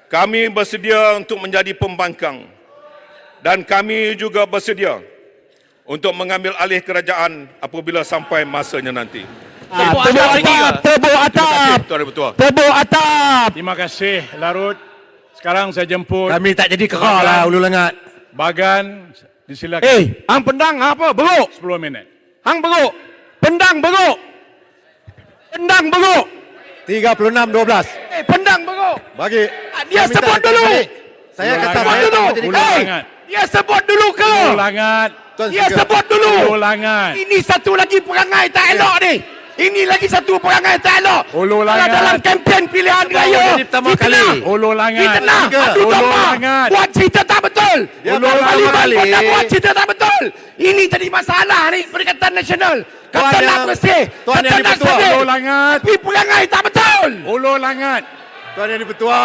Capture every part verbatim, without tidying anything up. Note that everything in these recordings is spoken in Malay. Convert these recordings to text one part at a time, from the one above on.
kami bersedia untuk menjadi pembangkang dan kami juga bersedia untuk mengambil alih kerajaan apabila sampai masanya nanti. Ah, tepuk atap, tepuk atap, Tuan Ketua. tepuk atap. Terima kasih Larut. Sekarang saya jemput Kami tak jadi kekal lah Ulu Langat. Bagan, disilakan. Eh, hang pendang apa? Beruk. sepuluh minit. Hang beruk. Pendang beruk. Pendang beruk. tiga puluh enam dua belas. Eh, pendang beruk. Bagi. Ah, dia Saya minta sebut dulu. balik. Saya Ulang kata lagi. saya tak dulu. jadi Ulang Eh, sangat. dia sebut dulu ke? Ulangat. Tuan Dia Speaker. sebut dulu. Ulangat. Ini satu lagi perangai tak elok ni. Ini lagi satu perangai tak elok. Ulu Kalau Langat. dalam kempen pilihan raya, jadi pertama fitnah. kali. Ulu Langat. Fitnah. Tiga. Adu Ulu domba. Langat. Buat cerita tak betul. Dia Ulu baru Langat kali. pun tak buat cerita tak betul. Ini jadi masalah ni Perikatan Nasional. Tuan Kata nak yang- bersih. Tuan Kata yang nak di-Pertua. sedih. Ulu Langat. Tapi perangai tak betul. Ulu Langat. Tuan Yang di-Pertua.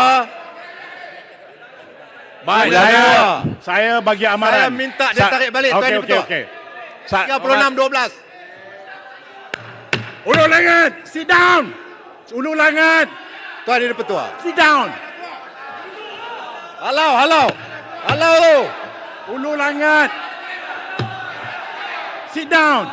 Baik, Ulang saya, dua. saya bagi amaran. Saya minta dia tarik balik, Tuan Okey, Yang okey, di-Pertua. okey. Sa- tiga puluh enam dua belas. Ulu Langat, sit down. Ulu Langat, Tuan Yang di-Pertua. sit down. Halau, halau. Halau tu. Ulu Langat, sit down.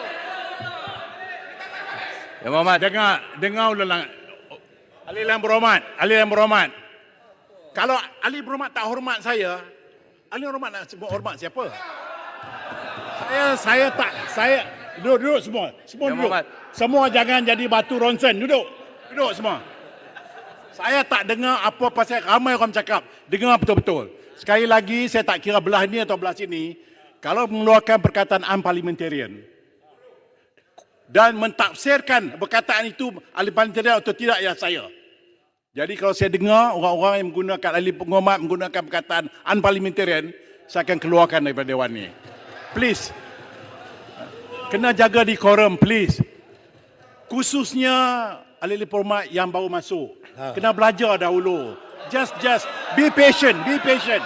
Ya Muhammad. Dengar, dengar Ulu Langat. Ali yang berhormat, Ali yang berhormat. Kalau Ali berhormat tak hormat saya, Ali hormat nak sebut hormat siapa? Saya, saya tak, saya duduk, duduk semua, semua Ya, duduk. Muhammad. Semua jangan jadi batu ronsen, duduk, duduk semua. Saya tak dengar apa pasal ramai orang cakap, dengar betul-betul. Sekali lagi saya tak kira belah ni atau belah sini, kalau mengeluarkan perkataan unparliamentarian dan mentafsirkan perkataan itu ahli parliamentarian atau tidak ya saya. Jadi kalau saya dengar orang-orang yang menggunakan ahli penghormat menggunakan perkataan unparliamentarian, saya akan keluarkan daripada dewan ni. Please. Kena jaga decorum, please. Khususnya ahli penghormat yang baru masuk. Kena belajar dahulu. Just, just be patient, be patient.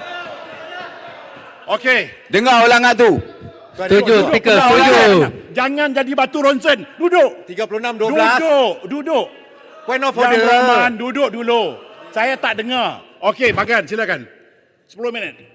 Okay. Dengar ulangan tu. Tuan Setuju, Yang speaker, Ulang, setuju. ulang. Jangan jadi batu ronsen. Duduk. tiga puluh enam dua belas. Duduk, duduk. Point of Yang order. Rahman, duduk dulu. Saya tak dengar. Okey, Bagan, silakan. sepuluh minit.